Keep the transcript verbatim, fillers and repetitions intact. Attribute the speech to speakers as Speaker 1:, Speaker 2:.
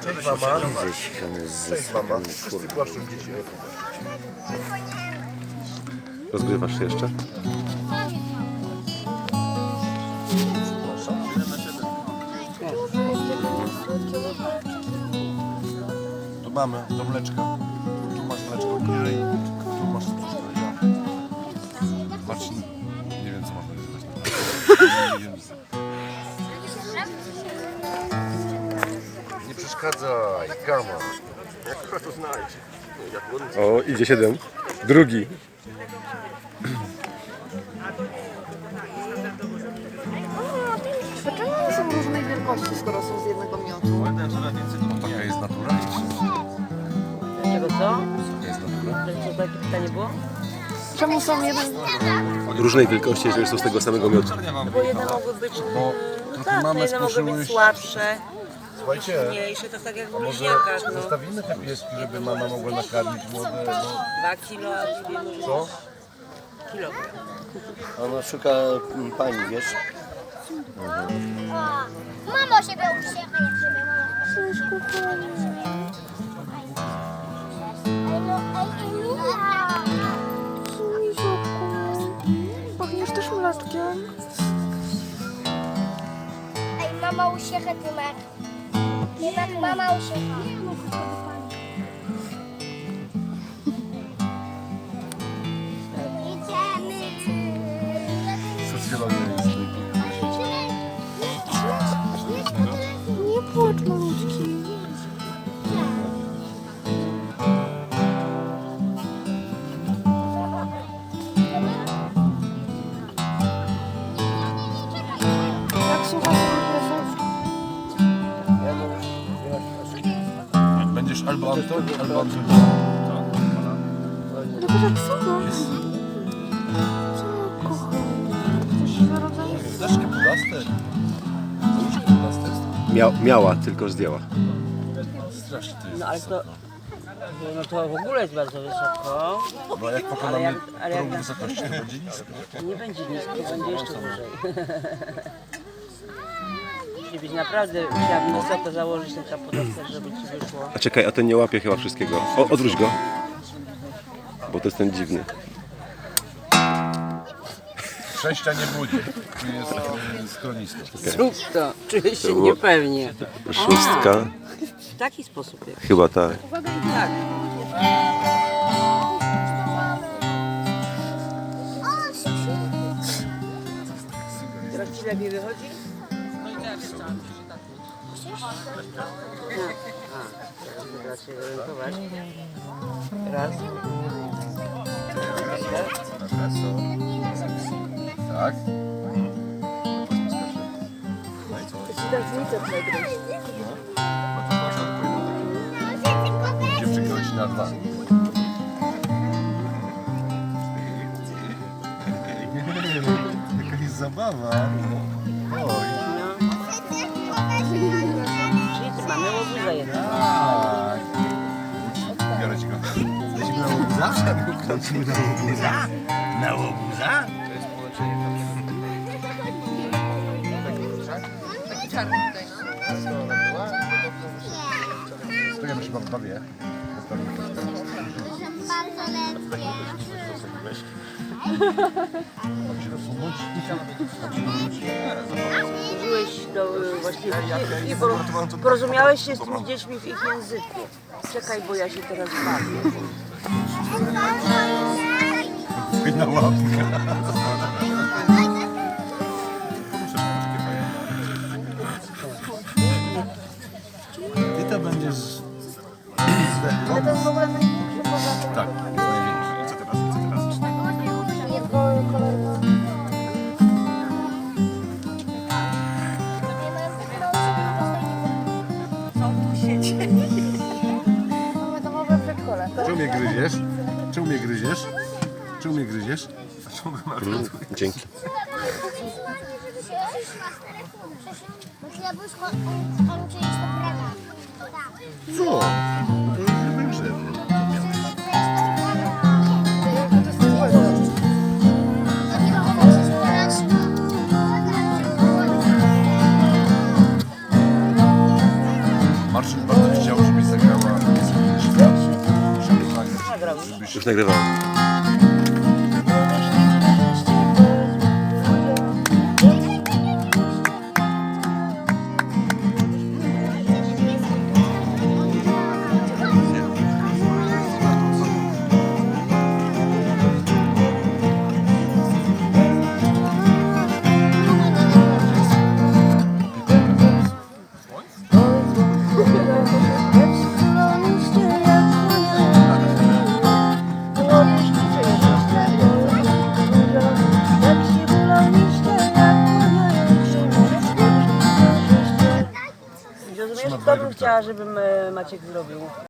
Speaker 1: Cześć mama. Cześć mama. Wszyscy płaszczą dzieci.
Speaker 2: Rozgrywasz się jeszcze?
Speaker 1: Tu mamy, do mleczka. Tu masz mleczko. Tu masz cuszkę. Patrz, nie wiem co mam powiedzieć. Nie wiem. Nie przeszkadzaj, kama. Jak to znajdzie?
Speaker 2: O, idzie siedem. Drugi.
Speaker 3: Dlaczego one są różnej wielkości, skoro są z jednego miotu?
Speaker 1: No taka jest natura.
Speaker 4: Dlaczego co?
Speaker 1: Taka jest natura.
Speaker 4: Co takie pytanie było?
Speaker 3: Czemu są jeden...
Speaker 2: Różnej wielkości, jeżeli są z tego samego miotu.
Speaker 4: Bo jedne mogły być,
Speaker 1: Bo
Speaker 4: no
Speaker 1: trochę
Speaker 4: tak, no
Speaker 1: mamy
Speaker 4: jedne mogły być
Speaker 1: skruszyły.
Speaker 4: słabsze,
Speaker 1: Słuchajcie,
Speaker 4: mniejsze, to tak jak w
Speaker 1: może
Speaker 4: bliźniakach, no.
Speaker 1: zostawimy te pieski, żeby mama mogła nakarmić młode. No.
Speaker 4: Dwa kilo, a dwie może
Speaker 1: Co?
Speaker 4: kilogram.
Speaker 5: Ona szuka mm, pani, wiesz?
Speaker 6: Mamo siebie uśmiecha, jak siebie mama.
Speaker 3: Cześć, kochanie. Miziotku. Pachniesz też mleczkiem?
Speaker 6: Ej, mama uśmiecha, Tymek. Tymek, mama uśmiecha. Idziemy.
Speaker 1: Socjologia jest.
Speaker 3: Nie płacz, malutki. Jak słuchasz rozmówów?
Speaker 1: Będziesz albo Anton, albo Anton.
Speaker 3: Lepiej jak słuchasz. Co, kochanie? Coś na rodzaju...
Speaker 1: Daszkę plaster. Daszkę plaster.
Speaker 2: Mia miała, tylko zdjęła.
Speaker 1: Strasznie to jest.
Speaker 4: No ale to, no to w ogóle jest bardzo wysoko,
Speaker 1: No jak
Speaker 4: ale
Speaker 1: pokonamy
Speaker 4: jak, ale jak
Speaker 1: próg wysokości, to będzie nisko.
Speaker 4: nie będzie nisko, będzie jeszcze wyżej. Musi być naprawdę, musiałabym wysoko założyć ten kapodawca, żeby ci wyszło.
Speaker 2: A czekaj, a ten nie łapie chyba wszystkiego. O, odwróć go. Bo to jest ten dziwny.
Speaker 1: Sześcia nie budzi. Tu jest e, schronisko.
Speaker 4: Zrób to, czuję się niepewnie.
Speaker 2: Szóstka.
Speaker 4: W taki sposób jak.
Speaker 2: Chyba tak.
Speaker 4: Tak. Teraz ci lepiej wychodzi? A, teraz się orientować. Raz.
Speaker 1: Tak? Dziewczynka leci na dwa. Jaka jest zabawa. Oj.
Speaker 4: Czyli ty mamy łobuza jedno.
Speaker 1: Tak. Biorę ci go. Lecimy na łobuza? Lecimy na łobuza? Na łobuza? To jest połączenie. Taki czarny tutaj, no. Stojemy się wam bawię.
Speaker 6: Bardzo lekkie.
Speaker 1: Mam się rozsunąć?
Speaker 4: Użyłeś do właściwie i poro- porozumiałeś się z tymi dziećmi w ich języku. Czekaj, bo ja się teraz bawię.
Speaker 1: Na łapkę. Ty to będziesz...
Speaker 3: Ale to jest w ogóle największy poza tym.
Speaker 1: Tak, największy. Co teraz? Co teraz?
Speaker 3: Jego kolor. Mamy domowe przedszkole.
Speaker 1: Czemu mnie gryziesz? Czemu mnie gryziesz? Czemu mnie gryziesz?
Speaker 2: Mm, dzięki.
Speaker 6: Myślę, że on czyjeś to prawa.
Speaker 1: Co? To jest chyba grzewy. Marszyn bardzo robisz?
Speaker 2: Już nagrywam.
Speaker 4: Rozumiesz, to bym chciała, żebym e, Maciek zrobił.